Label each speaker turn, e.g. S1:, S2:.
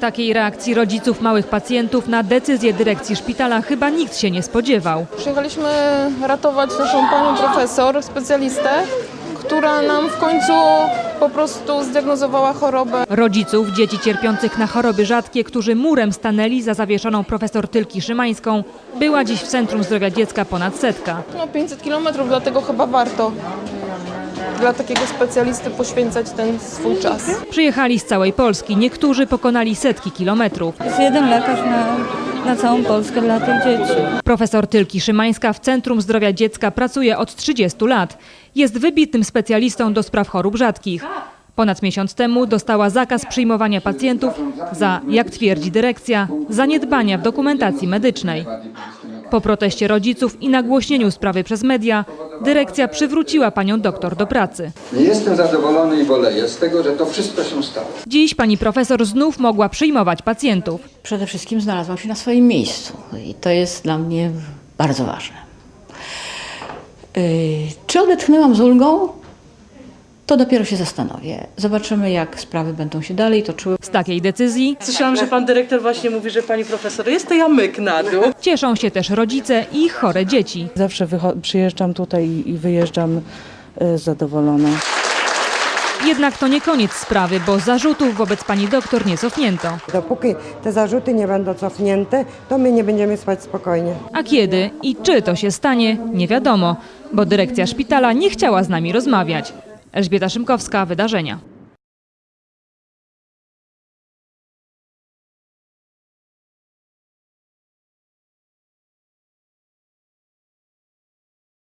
S1: Takiej reakcji rodziców małych pacjentów na decyzję dyrekcji szpitala chyba nikt się nie spodziewał.
S2: Przyjechaliśmy ratować naszą panią profesor, specjalistę, która nam w końcu po prostu zdiagnozowała chorobę.
S1: Rodziców dzieci cierpiących na choroby rzadkie, którzy murem stanęli za zawieszoną profesor Tylki Szymańską, była dziś w Centrum Zdrowia Dziecka ponad 100.
S2: 500 kilometrów, dlatego chyba warto dla takiego specjalisty poświęcać ten swój czas.
S1: Przyjechali z całej Polski, niektórzy pokonali setki kilometrów.
S3: Jest jeden lekarz na całą Polskę dla tych dzieci.
S1: Profesor Tylki Szymańska w Centrum Zdrowia Dziecka pracuje od 30 lat. Jest wybitnym specjalistą do spraw chorób rzadkich. Ponad miesiąc temu dostała zakaz przyjmowania pacjentów za, jak twierdzi dyrekcja, zaniedbania w dokumentacji medycznej. Po proteście rodziców i nagłośnieniu sprawy przez media, dyrekcja przywróciła panią doktor do pracy.
S4: Nie jestem zadowolony i boleję z tego, że to wszystko się stało.
S1: Dziś pani profesor znów mogła przyjmować pacjentów.
S5: Przede wszystkim znalazłam się na swoim miejscu i to jest dla mnie bardzo ważne. Czy odetchnęłam z ulgą? To dopiero się zastanowię. Zobaczymy, jak sprawy będą się dalej toczyły.
S1: Z takiej decyzji
S6: Słyszałam, że pan dyrektor właśnie mówi, że pani profesor jest, to ja myk na dół.
S1: cieszą się też rodzice i ich chore dzieci.
S6: Zawsze przyjeżdżam tutaj i wyjeżdżam zadowolona.
S1: Jednak to nie koniec sprawy, bo zarzutów wobec pani doktor nie cofnięto.
S7: Dopóki te zarzuty nie będą cofnięte, to my nie będziemy spać spokojnie.
S1: A kiedy i czy to się stanie, nie wiadomo, bo dyrekcja szpitala nie chciała z nami rozmawiać. Elżbieta Szymkowska, Wydarzenia.